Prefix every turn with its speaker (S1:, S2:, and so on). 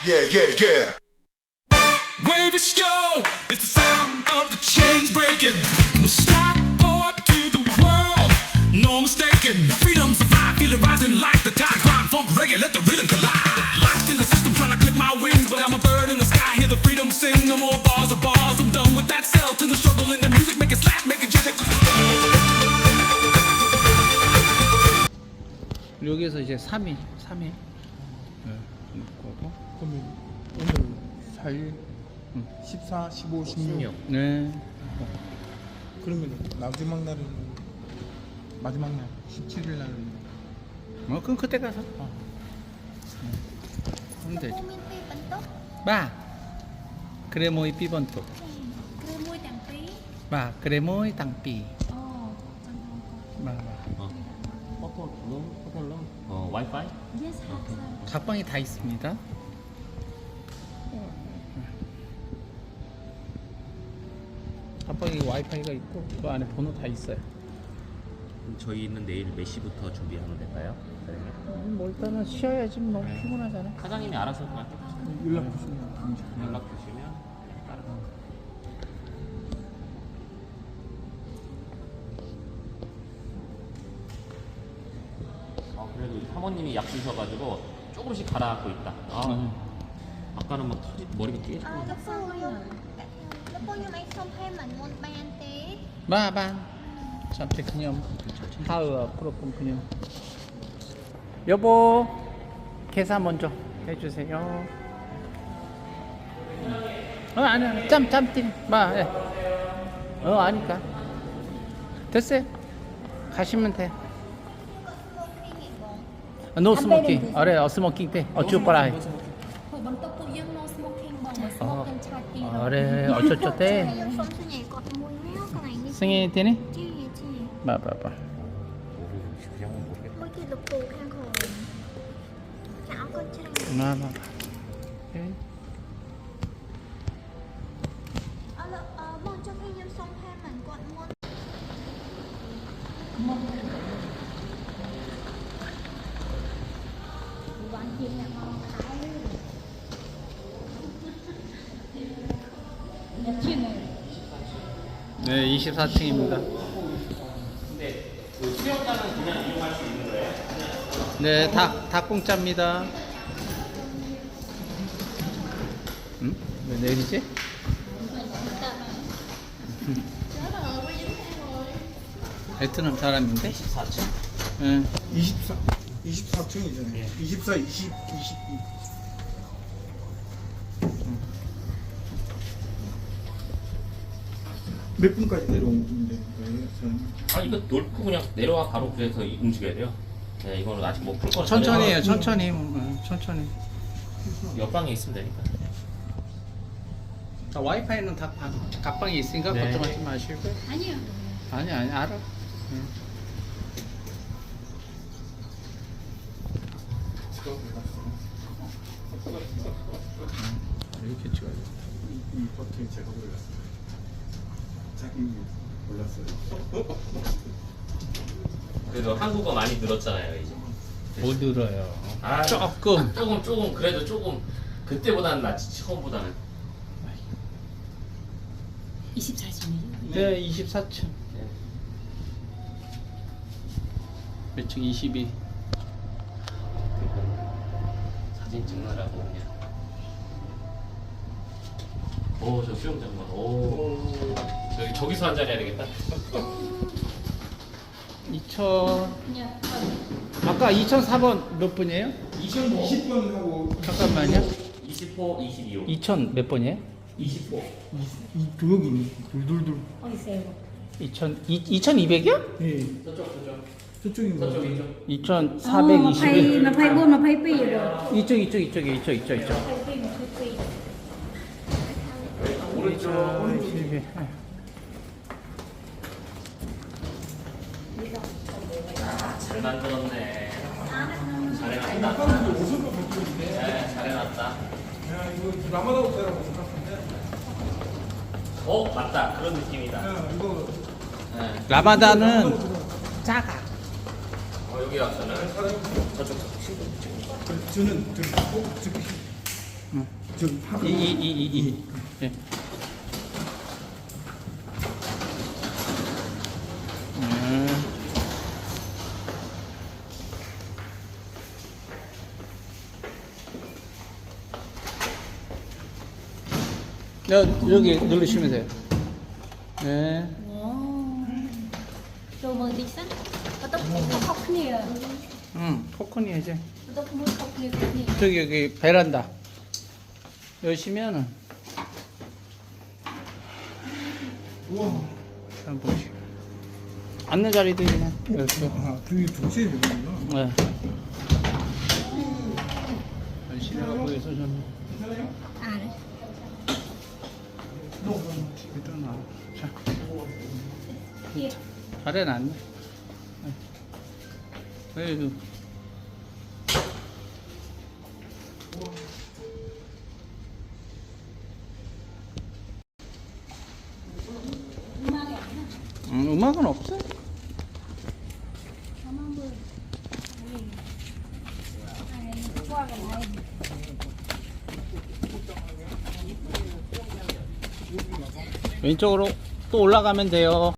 S1: Yeah, yeah, yeah.
S2: Wave is slow, it's the sound of the chains breaking. Stop or to the world, no mistaken. Freedom survive, feel it rising like the tide. Grind, funk, reggae, let the rhythm collide. Locked in the system, trying to clip my wings, but I'm a bird in the sky. Hear the freedom sing, no more bars of bars. I'm done with that self in the struggle in the music, make it slap, make it jig.
S3: 여기에서 이제 3일 거고.
S4: 그러면 오늘 4일, 14, 15, 16.
S3: 네.
S4: 그러면 마지막 날은 17일 날은
S3: 그럼 그때 가서 하면 되죠.
S5: មានពីរបន្ទប់
S3: 봐. 그래 모이 삐번또.
S5: គ្រឿងមួយទាំងពីរ
S3: 봐. 그래 모이 땅삐.
S5: អូចង់ថត
S3: 봐.
S6: 호텔로 와이파이?
S5: Yes have sir
S3: 각방이 다 있습니다. 각방에 와이파이가 있고 그 안에 번호 다 있어요.
S6: 그럼 저희는 내일 몇 시부터 준비하면 될까요? 사장님?
S3: 뭐 일단은 쉬어야지 뭐 피곤하잖아.
S6: 사장님이 알아서 그냥
S4: 연락 주시면 됩니다.
S6: 연락 주시면 따로. 그래도 사모님이 약 주셔가지고 조금씩 가라앉고 있다. 아까는 막 머리가 깨지고.
S5: លោកពូខ្ញុំអីសុំផេមិនមុនបានទេ
S3: 봐. 잠시 그냥 하우 프로폰 그냥. 여보 계산 먼저 해주세요. 아니야 짬띠 봐. 예. 아니까 됐어요. 가시면 돼. 노 스모킹. 어래 스모킹 때 어쭈 빠라.
S5: ពួកបន្ទប់ពួកយើង no smoking បងបើ smoke ទាំងឆាតទី
S3: 어래 어쩌쩌 때
S5: ខ្ញុំសុំសញ្ញាគាត់មួយណាកន្លែងនេះ
S3: 승희 되니?
S5: ជីជី
S3: 봐.
S5: មួយគេលោកពូខាងក្រោមចាអរគុណច្រើន
S3: 봐.
S5: អរបងចង់ឲ្យខ្ញុំសុំផេមិនគាត់មុន
S3: 네 24층입니다.
S6: 근데 그 수영장은 그냥 이용할 수 있는 거예요?
S3: 네, 다 공짜입니다. 응? 왜 내리지? 베트남 사람인데?
S6: 4층.
S3: 응.
S4: 24층이잖아요. 24, 20, 22. 몇 분까지 내려오면 되는 거예요? 저는?
S6: 이거 놓고 그냥 내려와 바로 그래서 움직여야 돼요. 네, 이거는 아직 뭐 풀 거는
S3: 천천히 해요, 천천히. 천천히.
S6: 옆방에 있으면 되니까.
S3: 와이파이는 다 각방에 있으니까
S6: 네.
S3: 걱정하지 마시고.
S5: 아니요
S3: 아니, 알아. 이렇게 찍어야 돼.
S4: 이 버튼 제가 몰랐어요. 자기 몰랐어요.
S6: 그래도 한국어 많이 늘었잖아요 이제.
S3: 못 들어요.
S6: 아,
S3: 조금.
S6: 조금 그래도 조금 그때보다는 낫지 처음보다는.
S5: 24층이요?
S3: 네, 24층. 몇 층? 22.
S6: 사진 찍느라고 그냥. 저 수영장만. 저기서 한 자리 해야 되겠다.
S3: 2000. 아까 2004번 몇 분이에요?
S4: 20번하고
S3: 잠깐만요.
S6: 20호, 22호.
S3: 2000 몇 번이에요?
S6: 20호.
S4: 이 조역이네. 둘둘둘.
S3: 2200이요?
S4: 예. 저쪽인 거 같아요.
S6: 저쪽이죠.
S3: 2421.
S5: 24 22
S3: 이쪽.
S6: 오른쪽.
S3: 22.
S6: 잘 만들었네. 잘해놨다. 네, 잘해놨다.
S4: 야, 이거 라마다 호텔하고 똑같은데?
S6: 맞다. 그런 느낌이다.
S4: 야, 이거
S6: 네.
S3: 라마다는 작아.
S6: 여기 와서는 저쪽.
S4: 저는 저기 꼭 저기 저기 파.
S3: 이. 예. 여기 누르시면 돼요. 네.
S5: Rồi mời tí sẵn. Và tóc khóc nè.
S3: 포크니 이제
S5: Và tóc muốn khóc nè.
S3: 저기 여기 베란다 여시면은 한번 보시고 앉는 자리도 있네. 이렇게.
S4: 아, 등이 동시에 되는구나.
S3: 네. 열심히 하고 있어 저는.
S5: À đấy.
S3: 일어나. 자,
S5: Kia.
S3: 잘해 놨네. 에휴. 음악은 없어.
S5: Qua cái này.
S3: 왼쪽으로 또 올라가면 돼요.